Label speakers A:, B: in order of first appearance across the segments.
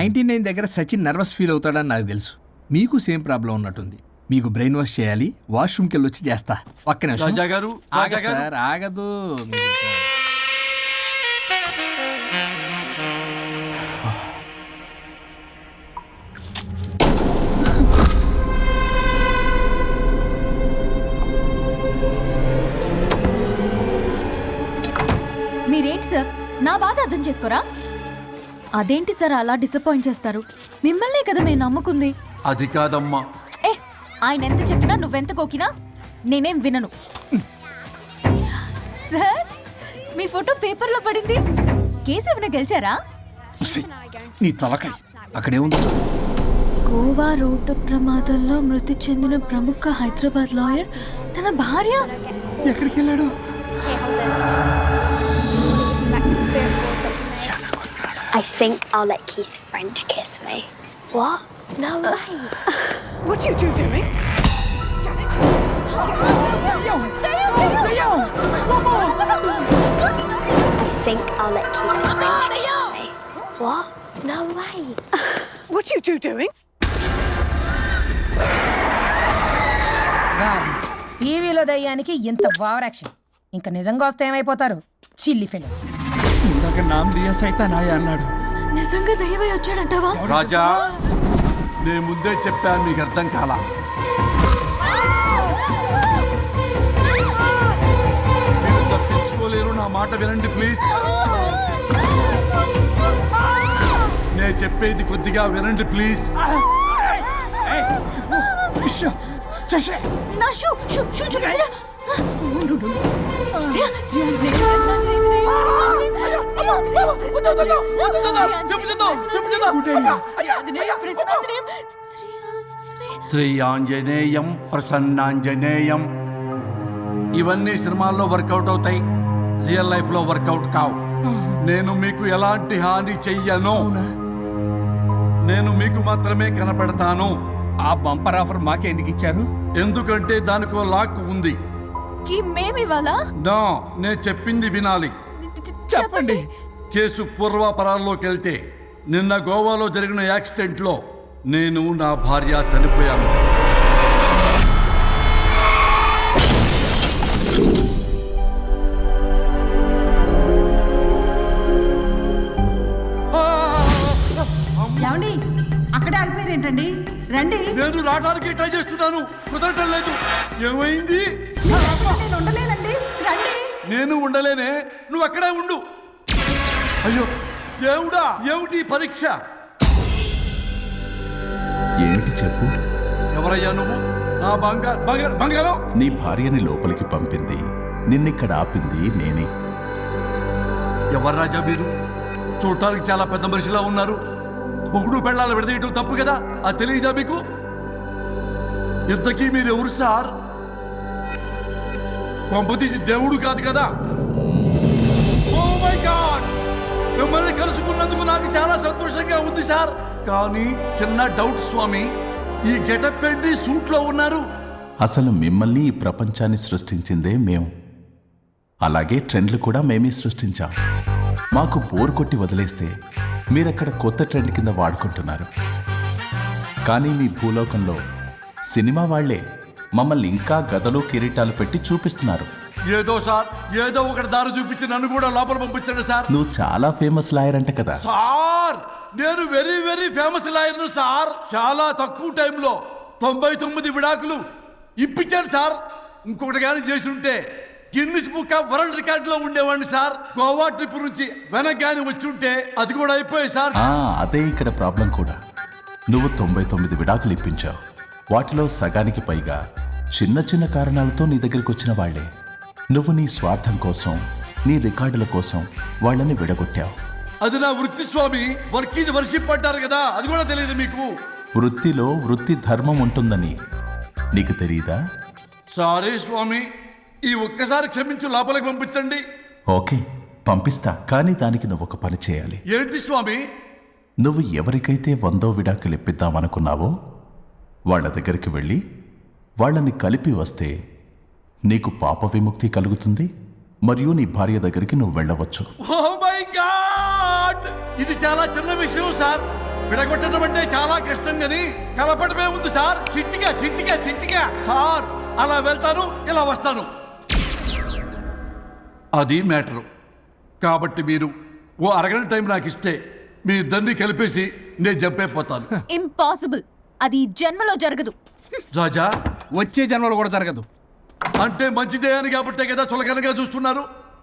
A: 99 దగ్గర Sachin nervous feel అవుతాడని నాకు తెలుసు. మీకు సేమ్ ప్రాబ్లం ఉన్నట్టుంది. మీకు బ్రెయిన్ వాష్ చేయాలి. వాష్రూమ్కి వెళ్ళి వచ్చి చేస్తా. ఒక్క నిమిషం సార్, ఆగదు.
B: మీరేంటి సార్ నా బాధ అర్థం చేసుకోరా? అదేంటి సార్ అలా డిసప్పాయింట్ చేస్తారు? మిమ్మల్నే కదా మేము నమ్ముకుంది.
C: అది కాదమ్మా.
B: ఆయన ఎంత చెప్పినా నువ్వెంత కోకినా నేనేం వినను. సార్ మీ ఫోటో పేపర్లో పడింది. కేసు ఏమైనా గెలిచారా?
A: నీ తలకాయ అక్కడే ఉంది.
B: గోవా రోడ్డు ప్రమాదంలో మృతి చెందిన ప్రముఖ హైదరాబాద్ లాయర్ తన భార్య
A: ఎక్కడికి వెళ్ళాడు?
D: I think I'll let Keith's friend kiss me. What? No way.
E: What are you doing?
D: I think I'll let Keith's friend kiss me. What? No way.
E: What are you doing?
F: టీవీలో దయ్యానికి ఇంత over action. ఇంకా నిజంగా వస్తే ఏమైపోతారు? చిల్లి fellows.
A: ఇందాక నామ్ లియా సైతానాయ అన్నాడు.
B: నిజంగా దయ్యమై వచ్చాడంటావా?
C: రాజా, నేను ముందే చెప్పాను, మీకు అర్థం కాలా. మీరు తప్పించుకోలేరు, నా మాట వినండి ప్లీజ్. నేను చెప్పేది కొద్దిగా వినండి ప్లీజ్.
B: నా షూ చూపించరా?
C: శ్రీ ఆంజనేయం ప్రసన్నాంజనేయం. ఇవన్నీ సినిమాల్లో వర్కౌట్ అవుతాయి, రియల్ లైఫ్ లో వర్కౌట్ కావు. నేను మీకు ఎలాంటి హాని చెయ్యను. నేను మీకు మాత్రమే కనపడతాను.
A: ఆ బంపర్ ఆఫర్ మాకే ఎందుకు ఇచ్చారు?
C: ఎందుకంటే దానికో లాక్ ఉంది.
B: మేమివాలా?
C: నా నేను చెప్పింది వినాలి.
A: చెప్పండి.
C: కేసు పూర్వాపరాల్లోకి వెళ్తే నిన్న గోవాలో జరిగిన యాక్సిడెంట్లో నేను నా భార్య చనిపోయాను.
F: ఏమండి అక్కడే ఆగిపోయారేంటండి? రండి.
C: నేను రావడానికి ట్రై చేస్తున్నాను, కుదరటం లేదు. ఏమైంది?
F: నేను ఉండలేనండి, రండి.
C: నేను ఉండలేనే, నువ్వు అక్కడే ఉండు. అయ్యో దేవుడా, ఏమిటి పరీక్ష?
G: ఏమిటి చెప్పు?
C: ఎవరయ్యా నువ్వు? నా బంగారం.
G: నీ భార్యని లోపలికి పంపింది, నిన్నిక్కడ ఆపింది నేనే.
C: ఎవరు రాజా మీరు? చూడటానికి చాలా పెద్ద మనిషిలా ఉన్నారు. మొగుడు పెళ్ళాలు విడదీయటం తప్పు కదా, అది తెలియదా మీకు? ఇంతకీ మీరు ఎవరు సార్? కొంపతీసి దేవుడు కాదు కదా? ఓ మై గాడ్, మిమ్మల్ని కలుసుకున్నందుకు నాకు చాలా సంతోషంగా ఉంది సార్. కానీ చిన్న డౌట్ స్వామి, ఈ గెటప్ ఏంటి సూట్ లో ఉన్నారు?
G: అసలు మిమ్మల్ని ఈ ప్రపంచాన్ని సృష్టించిందే మేము. అలాగే ట్రెండ్లు కూడా మేమే సృష్టించాం. మాకు బోర్ కొట్టి వదిలేస్తే మీరక్కడ కొత్త ట్రెండ్ కింద వాడుకుంటున్నారు. కానీ మీ భూలోకంలో సినిమా వాళ్లే మమ్మల్ని ఇంకా గదలు కిరీటాలు పెట్టి చూపిస్తున్నారు.
C: ఏదో సార్, ఏదో ఒకటి దారి చూపించి నన్ను కూడా లోపల పంపించండి సార్.
G: నువ్వు చాలా ఫేమస్ లాయర్ అంట కదా
C: సార్? నేను వెరీ వెరీ ఫేమస్ లాయర్ను సార్. చాలా తక్కువ టైంలో 99 విడాకులు ఇప్పించాను సార్. ఇంకొకటి కానీ చేసి ఉంటే Guinness book of world record లో ఉండేవాడిని సార్. గోవా ట్రిప్ నుంచి వెనక్ గాని వచ్చి ఉంటే అది కూడా అయిపోయాయి సార్.
G: అదే ఇక్కడ ప్రాబ్లం కూడా. నువ్వు 99 విడాకులు ఇప్పించావు. వాటిలో సగానికి పైగా చిన్న చిన్న కారణాలతో నీ దగ్గరికి వచ్చిన వాళ్లే. నువ్వు నీ స్వార్థం కోసం, నీ రికార్డుల కోసం వాళ్ళని విడగొట్టావు.
C: అది నా వృత్తి స్వామి. వర్క్ ఈజ్ వర్షిప్ అంటారు కదా, అది కూడా తెలియదు మీకు?
G: వృత్తిలో వృత్తి ధర్మం ఉంటుందని నీకు తెలియదా?
C: సారీ స్వామి, ఈ ఒక్కసారి క్షమించు, లోపలికి పంపించండి.
G: ఓకే, పంపిస్తా. కానీ దానికి నువ్వు ఒక పని చేయాలి.
C: ఏంటి స్వామి?
G: నువ్వు ఎవరికైతే 100వ విడాకులు ఇప్పిద్దామనుకున్నావో వాళ్ళ దగ్గరికి వెళ్ళి వాళ్ళని కలిపి వస్తే నీకు పాప విముక్తి కలుగుతుంది. మరియు నీ భార్య దగ్గరికి నువ్వు వెళ్ళవచ్చు.
C: ఓ మై గాడ్, ఇది చాలా చిన్న విషయం సార్. విడగొట్టడం అంటే చాలా కష్టం గని కలపడమే ఉంది సార్. చిట్టిగా చిట్టిగా చిట్టిగా సార్. అలా వెళ్తాను, ఇలా వస్తాను. అది మ్యాటరు. కాబట్టి మీరు ఓ అరగంట టైం నాకు ఇస్తే మీ ఇద్దరిని కలిపేసి నేను జంపైపోతాను.
B: ఇంపాసిబుల్. అది ఈ జన్మలో జరగదు.
C: రాజా,
A: వచ్చే జన్మలో కూడా జరగదు.
C: అంటే మంచిదే అని కాబట్టే కదా చులకనగా చూస్తున్నారు.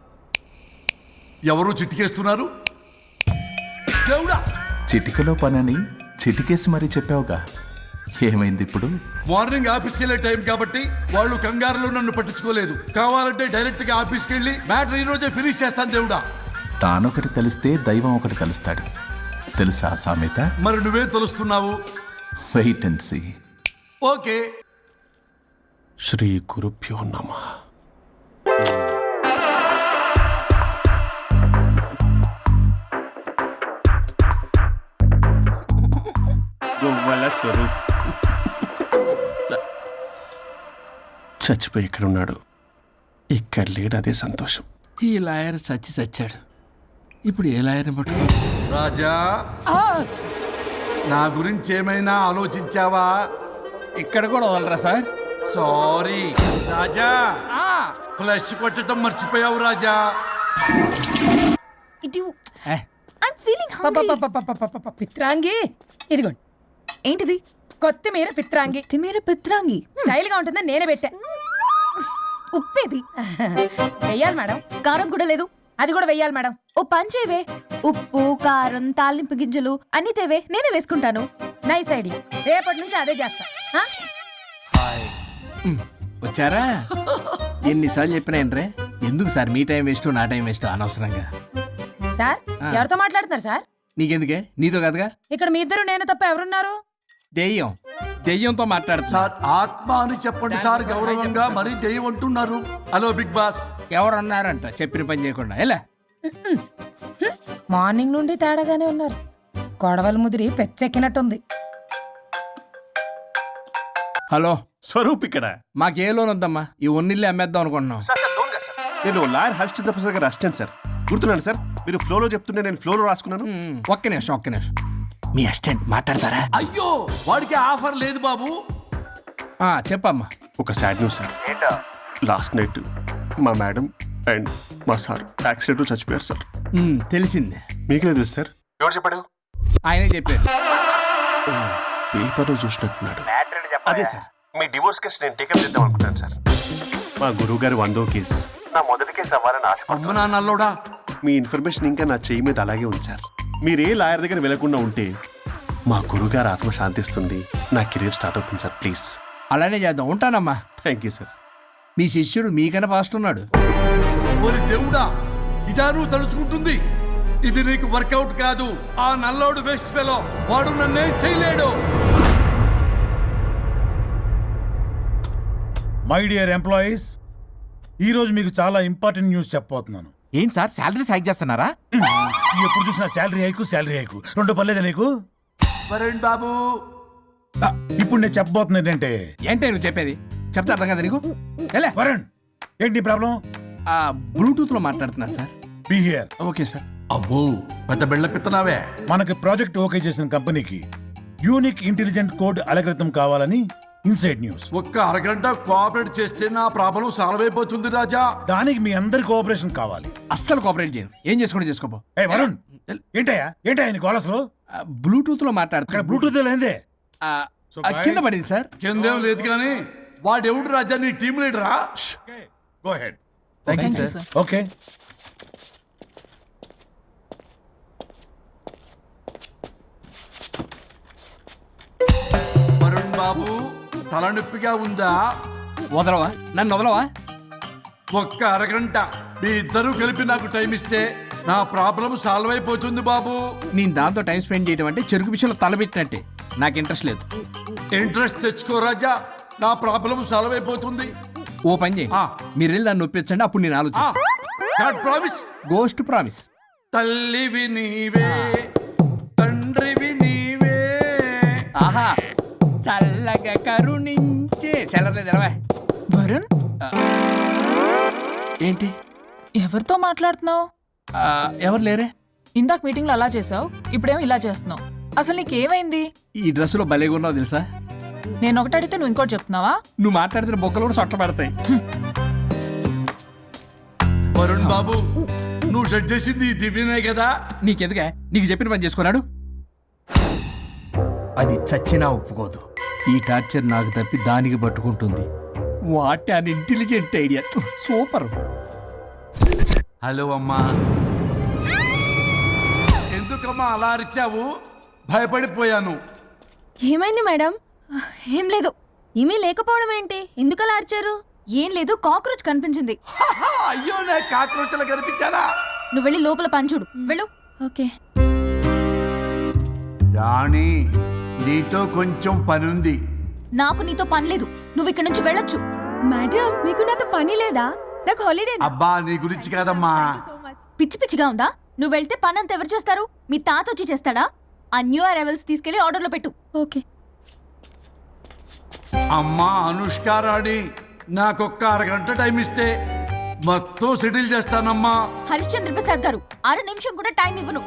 C: ఎవరు చిట్టికేస్తున్నారు? దేవుడా,
G: చిటికలో పనని చిటికేసి మరీ చెప్పావుగా, ఏమైంది ఇప్పుడు?
C: మార్నింగ్ ఆఫీస్కి వెళ్ళే టైం కాబట్టి వాళ్ళు కంగారులో నన్ను పట్టించుకోలేదు. కావాలంటే డైరెక్ట్ గా ఆఫీస్కి వెళ్ళి మ్యాటర్ ఈ రోజే ఫినిష్ చేస్తాను. దేవుడా,
G: తానొకటి తెలిస్తే దైవం ఒకటి కలుస్తాడు, తెలుసా సామెత?
C: మరి నువ్వేం తెలుస్తున్నావు?
G: Wait and see.
C: ఓకే.
H: శ్రీ గురుభ్యో నమః. గొవ్వల స్వరూప్ చచ్చిపోయి ఇక్కడ ఉన్నాడు. ఇక్కడ లేడు, అదే సంతోషం.
A: ఈ లాయర్ చచ్చాడు. ఇప్పుడు ఏ లాయర్ని పట్టుకో?
C: రాజా, నా గురించి ఏమైనా ఆలోచించావా?
A: ఇక్కడ కూడా వదలరా సార్?
C: సారీ రాజా, ఫ్లష్ కొట్టడం మర్చిపోయావు రాజా.
B: ఇటు
A: ఏ,
B: ఐమ్ ఫీలింగ్ హంగ్రీ.
F: పిత్రాంగి ఇదిగోండి.
B: ఏంటిది?
F: కొత్తిమీర పిత్రాంగి.
B: తిమేర పిత్రాంగి.
F: స్టైల్ గా ఉంటుందని నేనే పెట్టా.
B: ఉప్పేది?
F: వెయ్యాలి మేడం.
B: కారం కూడా లేదు.
F: అది కూడా వెయ్యాలి మేడం.
B: ఓ పంచేవే. ఉప్పు, కారం, తాలింపు గింజలు అన్ని తేవే, నేనే వేసుకుంటాను.
F: Nice idea. రేపటి నుంచి అదే చేస్తా. ఆ?
A: వచ్చారా? ఎన్నిసార్లు చెప్పినా ఏంట్రే? ఎందుకు సార్ మీ టైం వేస్ట్ నా టైం వేస్ట్ అనవసరంగా?
F: సార్, ఎవరితో మాట్లాడుతున్నారు సార్?
A: నీకెందుకే? నీతో కదగా.
F: ఇక్కడ మీ ఇద్దరు నేను తప్ప ఎవరున్నారు?
A: దెయ్యంతో మాట్లాడుతా.
C: సార్, ఆత్మ అని చెప్పండి సార్, గౌరవంగా. మరీ దెయ్యం అంటున్నారు. Hello big boss.
A: ఎవరు అన్నారంట చెప్పిన పని చేయకుండా? ఎలా?
F: మార్నింగ్ నుండి తేడాగానే ఉన్నారు. కొడవల ముదిరి పెచ్చెక్కినట్టుంది.
A: హలో,
H: స్వరూప్ ఇక్కడ.
A: మాకే లోన్ వద్దమ్మా. ఈ ఒన్నిల్లు అమ్మేద్దాం అనుకుంటున్నాం.
H: నేను లాయర్ హరిశ్చంద్ర ప్రసాద్ గారు అసిస్టెంట్ సార్. గుర్తున్నాను సార్, మీరు ఫ్లోలో చెప్తుంటే నేను ఫ్లోలో రాసుకున్నాను.
A: ఒక్క నిమిషం. మీ అసిస్టెంట్ మాట్లాడతారా?
C: అయ్యో, వాడికి ఆఫర్ లేదు బాబు.
A: చెప్పమ్మా.
H: ఒక sad news sir. Last night మా మేడం అండ్ మా సార్ యాక్సిడెంట్ చచ్చిపోయారు సార్.
A: తెలిసిందే.
H: మీకే తెలుసు సార్. ఎవరు చెప్పాడు?
A: ఆయనే చెప్పారు.
H: పేపర్లో చూసినట్టున్నాడు. అదే సార్, మీ డివోర్స్ కేసు నేను టేకప్ చేద్దాం అనుకుంటాను సార్. మా గురువు గారు 100వ కేసు నా మొదటి కేసు అవ్వాలని ఆశ.
C: అమ్మ నాన్నల్లోడా,
H: మీ ఇన్ఫర్మేషన్ ఇంకా నా చెయ్యి మీద అలాగే ఉంది సార్. మీరే లాయర్ దగ్గర వెళ్లకుండా ఉంటే మా గురుగారు ఆత్మ శాంతిస్తుంది, నా కెరీర్ స్టార్ట్ అవుతుంది సార్. ప్లీజ్
A: అలానే చేద్దాం. ఉంటానమ్మా.
H: Thank you sir.
A: మీ శిష్యుడు మీకన్నా ఫాస్ట్ ఉన్నాడు.
C: ఓరి దేవుడా, ఇదా నువ్వు తలుచుకుంటుంది? ఇది నీకు వర్కౌట్ కాదు. ఆ నల్లోడు వేస్ట్ ఫెలో, వాడు నన్నేం చేయలేడు.
I: మై డియర్ ఎంప్లాయీస్, ఈరోజు మీకు చాలా ఇంపార్టెంట్ న్యూస్ చెప్పబోతున్నాను.
J: ఏంటి సార్, శాలరీస్ హైక్ చేస్తున్నారా?
I: ఎప్పుడు చూసినా శాలరీ హైకు రెండు పర్లేదా నీకు?
C: వరుణ్ బాబు,
I: ఇప్పుడు నేను చెప్పబోతున్నా ఏంటంటే,
A: ఏంటే నువ్వు చెప్పేది? చెప్తా అర్థం కదా నీకు? ఎలా?
I: వరుణ్, ఏంటి ప్రాబ్లం?
A: బ్లూటూత్ లో మాట్లాడుతున్నా sir.
I: Be here.
A: Okay sir.
C: అబ్బో, పెద్ద బిళ్ళ పిత్తనావే.
I: మనకి ప్రాజెక్ట్ ఓకే చేసిన కంపెనీకి యూనిక్ ఇంటెలిజెంట్ కోడ్ అలకృతం కావాలని ఇన్సైడ్ న్యూస్.
C: ఒక్క అరగంట కోఆపరేట్ చేస్తే నా ప్రాబ్లం సాల్వ్ అయిపోతుంది రాజా.
I: దానికి మీ అందరి కోఆపరేషన్ కావాలి.
A: అస్సలు కోఆపరేట్ చేయను. ఏం చేసుకోండి చేసుకోపో.
I: ఏ వరుణ్, ఏంటయ్యా నీకు అసలు?
A: బ్లూటూత్ లో
I: ఇక్కడ
A: మాట్లాడుతున్నా.
I: బ్లూటూత్ లేదే.
A: కింద పడింది సార్.
C: కిందేం లేదు కానీ వాడెవడు రాజా? నీ టీం లీడరా?
I: Go ahead. ఓకే.
C: వరుణ్ బాబు, తలనొప్పిగా ఉందా?
A: వదలవా? నన్ను వదలవా?
C: ఒక్క అరగంట మీ ఇద్దరూ కలిపి నాకు టైం ఇస్తే నా ప్రాబ్లం సాల్వ్ అయిపోతుంది బాబు.
A: నేను దాంతో టైం స్పెండ్ చేయడం అంటే చెరుకు విషయంలో తలబెట్టినట్టే. నాకు ఇంట్రెస్ట్ లేదు.
C: ఇంట్రెస్ట్ తెచ్చుకో రాజా, నా ప్రాబ్లం సాల్వ్ అయిపోతుంది.
A: ఓ పని చేయి, మీరు వెళ్ళి నన్ను ఒప్పించండి, అప్పుడు నేను ఆలోచిస్తాను.
C: God promise.
A: Ghost promise.
C: తల్లివి నీవే, తండ్రివి నీవే.
A: ఆహా, చల్లగా కరుణించే. చల్లలేదు ఎలా?
B: వరుణ్,
A: ఏంటి?
B: ఎవరితో మాట్లాడుతున్నావు?
A: ఎవరు లేరే?
B: ఇందాక మీటింగ్ లో అలా చేసావు, ఇప్పుడేమో ఇలా చేస్తున్నావు.
K: అసలు నీకేమైంది?
A: ఈ డ్రెస్సులో భలేగా ఉన్నావు తెలుసా?
K: నేను ఒకటి అడిగితే నువ్వు ఇంకోటి చెప్తున్నావా?
A: నువ్వు మాట్లాడితే బొక్కలు కూడా సొట్ట పడతాయి.
C: వరుణ్ బాబు, నువ్వు సెట్ చేసింది ఈ దివ్యనే కదా?
A: నీకెందుకే? నీకు చెప్పిన పని చేసుకున్నాడు. అది చచ్చినా ఒప్పుకోదు. ఈ టార్చర్ నాకు తప్పి దానికి పట్టుకుంటుంది. What an intelligent idea. Super.
C: Hello అమ్మా. ఎందుకమ్మా అలా అరిచావు? భయపడిపోయాను.
F: ఏమైంది మేడం?
B: ఏం లేదు.
F: ఏమీ లేకపోవడం ఏంటి? ఎందుకలా అరిచారు?
B: ఏం లేదు, కాక్రోచ్ కనిపించింది.
C: అయ్యో, నా కాక్రోచ్లు కనిపించారా?
B: నువ్వు వెళ్ళి లోపల పని చూడు. వెళ్ళు.
F: ఓకే.
C: రాణి, నీతో కొంచెం పనుంది.
B: నాకు నీతో పని లేదు. నువ్వు ఇక్కడ నుంచి వెళ్ళొచ్చు.
F: మేడం, మీకు నాతో పని లేదా? నాకు హాలిడే.
C: అబ్బా, నీ గురించి కాదమ్మా.
B: పిచ్చి పిచ్చిగా ఉందా? నువ్వు వెళ్తే పని అంతా ఎవరు చేస్తారు? మీ తాత వచ్చి చేస్తాడా? ఆ న్యూ అరైవల్స్ తీసుకెళ్లి ఆర్డర్లో పెట్టు.
F: ఓకే.
C: అమ్మా అనుష్క రాణి, నాకొక్క అరగంట టైం ఇస్తే మొత్తం సెటిల్ చేస్తానమ్మా.
B: హరిశ్చంద్ర ప్రసాద్ గారు, 6 నిమిషం కూడా టైం ఇవ్వను.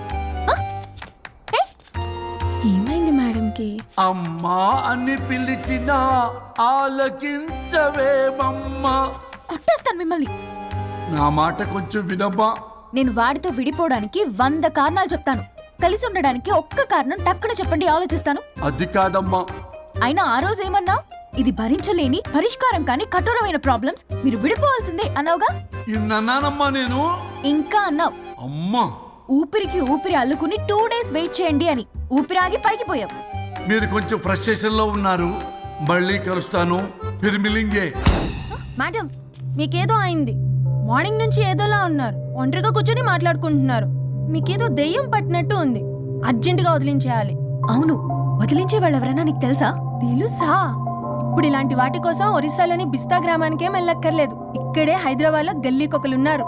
F: ఏమైంది మేడంకి?
C: అమ్మా అని పిలిచినా ఆలకించవేమమ్మా.
B: కొట్టేస్తాను మిమ్మల్ని.
C: నా మాట కొంచెం వినమ్మా.
B: నేను వాడితో విడిపోవడానికి 100 కారణాలు చెప్తాను. కలిసి ఉండడానికి ఒక్క కారణం టక్కున చెప్పండి, ఆలోచిస్తాను.
C: అది కాదమ్మా.
B: అయినా ఆ రోజు ఏమన్నా? ఇది భరించలేని, పరిష్కారం కాని కఠోరమైన ప్రాబ్లమ్స్, మీరు విడిపోవాల్సిందే అన్నావుగా?
C: ఇన్నానమ్మా నేను.
B: ఇంకా అన్నావు.
C: అమ్మా,
B: ఊపిరికి ఊపిరి అల్లుకుని 2 days వెయిట్ చేయండి అని. ఊపిరాగి పైకి పోయావు.
C: మీరు కొంచెం ఫ్రస్ట్రేషన్ లో ఉన్నారు. మళ్ళీ కలుస్తాను. ఫిర్మిలింగే.
F: మేడం, మీకేదో అయింది. మార్నింగ్ నుంచి ఏదోలా ఉన్నారు. ఒంటరిగా కూర్చొని మాట్లాడుకుంటున్నారు. మీకేదో దెయ్యం పట్టినట్టు ఉంది. అర్జెంటుగా వదిలించేయాలి.
B: అవును, వదిలించే వాళ్ళెవరైనా నీకు తెలుసా?
F: తెలుసా? ఇప్పుడు ఇలాంటి వాటి కోసం ఒరిస్సాలోని బిస్తా గ్రామానికేం వెళ్ళక్కర్లేదు. ఇక్కడే హైదరాబాద్ లో గల్లీకొకలున్నారు.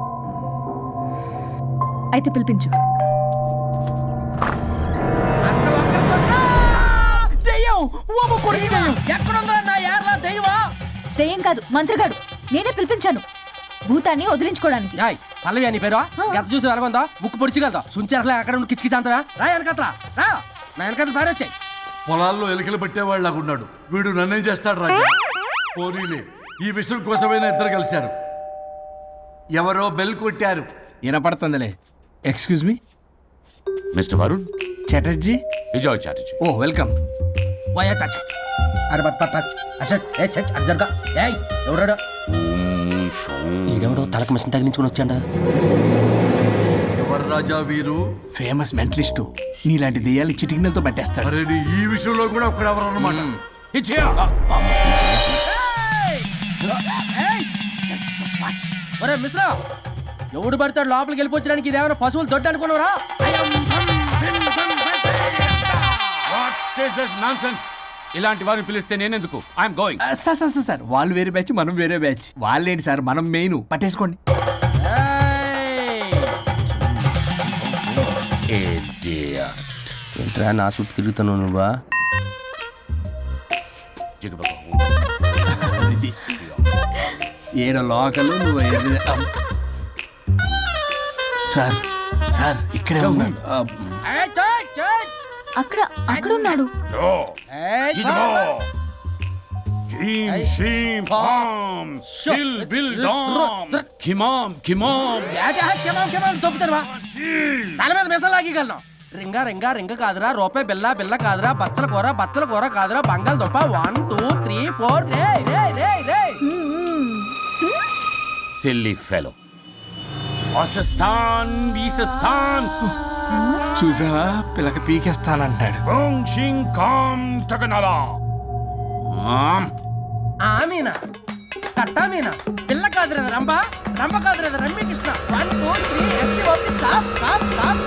B: అయితే పిలిపించు. దెయ్యం కాదు, మంత్రిగాడు. నేనే పిలిపించాను భూతాన్ని వదిలించుకోవడానికి.
J: పల్లవి అని పేరు గత చూసి వెలగొందా ముక్కు పొడిచిగలదా సుంచరలే అక్కడ కిచకిచ అంతవా రా వెనకట్రా రా నా వెనకట్ల పారి వచ్చాయి.
C: పొలాల్లో ఎలికలు పట్టేవాళ్ళగున్నాడు వీడు. నన్నేం చేస్తాడు రాజా? పోనీలే, ఈ విషయం కోసమైనా ఇద్దరు కలిశారు. ఎవరో బెల్ కొట్టారు.
A: వినపడుతుందిలే. Excuse me
L: mister Varun
A: Chatterjee.
L: Vijay Chatterjee.
A: Oh welcome.
J: వయా చాచా అరే బట్ పట్ అశోక్ ఏ సెట్ అర్జర్గా ఏయ్ ఎవరాడు? ఈడెవడో తలకు మిషన్ తగిలించుకుని వచ్చాడా?
C: ఎవరు రాజా వీరు?
A: Famous mentalist. నీలాంటి దెయ్యాలు చిటికినలతో పట్టేస్తాడు.
C: అరే, ఈ విషయంలో కూడా ఒకడెవరు అన్నమాట.
J: ఒరే మిశ్రా, ఎవడు పడతాడు లోపలికి వెళ్ళిపోవడానికి? ఇదేమైనా పశువులు దొడ్డు అనుకున్నారా?
L: ఇలాంటి వారిని పిలిస్తే నేనెందుకు? I'm going.
A: సార్ వాళ్ళు వేరే బ్యాచ్, మనం వేరే బ్యాచ్. వాళ్ళేంటి సార్, మనం మెయిన్. పట్టేసుకోండి.
J: ఏంట్రా నా చుట్టూ తిరుగుతున్నావు నువ్వా?
A: ఏడో లోకలు నువ్వు. సార్ సార్ ఇక్కడే ఉన్నాడు.
B: అక్కడ అక్కడున్నాడు.
J: తల మీద మెసలు లాగగలను. రింగా రింగా రింగ కాదురా, రూపాయి బిల్ల బిల్ల కాదురా, బచ్చల కూర కాదురా, బంగాళదుంప 1 2 3 4 రే రే రే రే.
L: Silly fellow. అసస్థాన్ వీసస్థాన్
A: చూసావా, పిల్లకి పీకేస్తానంటాడు.
J: ఆమీనా కట్టామీనా పిల్ల కాదురా రంభ, రంభ కాదురా రమ్య కృష్ణ. 1 2 3 ఎస్టీ ఓపి స్టాప్ స్టాప్ స్టాప్.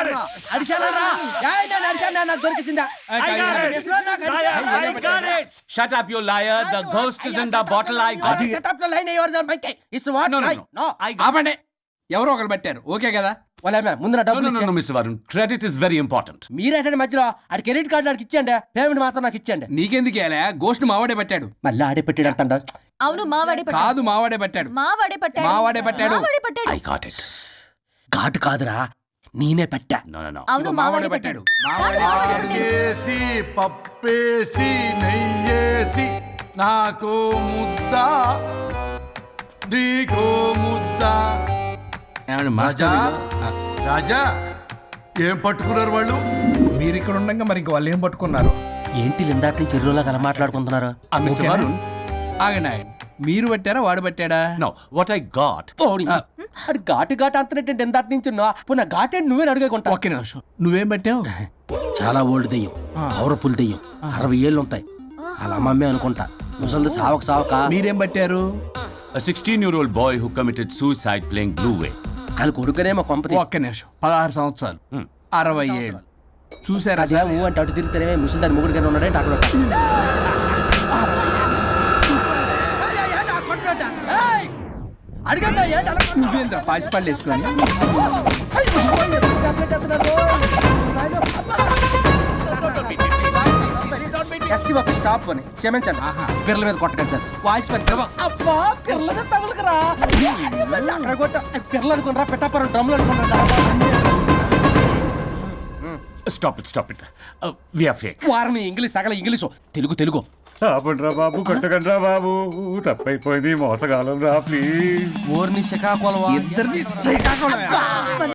J: నాకు దొరికిందా?
L: Shut up, you liar. The ghost is in the bottle. I got it.
J: Shut up the line, yours and my cake. It's what?
L: No, no,
J: I-
L: no.
J: no.
L: I got
A: ఆపండి. ఎవరో ఒకరు పెట్టారు okay కదా?
J: వాళ్ళ ముందు నా
L: No,
J: డబ్బులు
L: no, no, no,
J: ఇచ్చేయండి.
L: Mr. Varun. Credit is very important.
J: మీరేటండి మధ్యలో ఆడి క్రెడిట్ కార్డు నాకు ఇచ్చేయండి, పేమెంట్ మాత్రం నాకు ఇచ్చేయండి.
A: నీకెందుకు ఇవ్వాలా? గోష్ట్ మావాడే పెట్టాడు.
J: మళ్ళీ ఆడే పెట్టాడు అంటండ.
B: అవును మావాడే పట్టాడు.
A: కాదు మావాడే పెట్టాడు.
B: మావాడే పట్టాడు.
A: మావాడే పట్టాడు.
B: మావాడే పట్టాడు.
L: I got it.
J: ఘాటు కాదురా, నేనే పెట్టా.
L: No, no, no.
B: అవును మావాడే పట్టాడు.
C: ఆకేసి పప్పేసి నెయ్యేసి నాకు ముద్ద నీకో ముద్ద.
A: ఏమండి
C: రాజా
A: మాస్టర్
C: రాజా ఏం పట్టుకున్నారు వాళ్ళు?
A: మీరు ఇక్కడ ఉండగా మరి ఇంక వాళ్ళు ఏం పట్టుకున్నారు?
J: ఏంటి లిందాటి నుంచి చెరువులో కల మాట్లాడుకుంటున్నారు?
L: Mr. Varun.
A: ఆగండి ఆగండి. మీరు పట్టారా వాడు పట్టాడా?
L: No, what I got.
J: ఓడి. అది ఘాటు ఘాటు అంతనేటంటే ఎందాటి నుంచి పునః ఘాటేంటి నువ్వే అడిగేకుంటా.
A: ఒక్క నిమిషం. నువ్వేం పట్టావు?
J: చాలా ఓల్డ్ దెయ్యం, పవర్ఫుల్ దెయ్యం, 60 ఏళ్ళు ఉంటాయి. అలా అమ్మమ్మే అనుకుంటా. ముసలిది సావక సావక.
A: మీరేం పట్టారు?
L: A 16-year-old boy who committed suicide playing Blue Whale.
J: వాళ్ళ కొడుకునేమో కొంపతి.
A: ఒక్క నిమిషం. 16 సంవత్సరాలు 60 ఏళ్ళు చూసారా
J: అదే
A: సార్?
J: ఊ అంటే అటు తిరిగితేనే ముసలి దాని ముగ్గురు ఉన్నాడంటే అక్కడ. అడిగండి ఏంటి అలా
A: నువ్వేంద్ర పాసిపళ్ళు వేసుకొని
J: ఎస్టీ బాబు స్టాప్ అని క్షమించండి. పిర్ల మీద కొట్టగా సార్ వాయిస్ పని. అబ్బా పిర్ల మీద తగులుకురా అక్కడ కొట్ట. పిర్లు అనుకున్నారా పెట్టాపరం డ్రమ్లు అనుకున్నారా?
L: Stop it, stop it. We are fake.
J: వారిని ఇంగ్లీష్ తగల ఇంగ్లీషు తెలుగు తెలుగు.
I: ఆపండ్రా బాబు, కొట్టకండ్రా బాబు, తప్పైపోయింది, మోసగాలం రా ప్లీజ్.
J: ఓర్ని శ్రీకాకుళం
A: ఇద్దరిని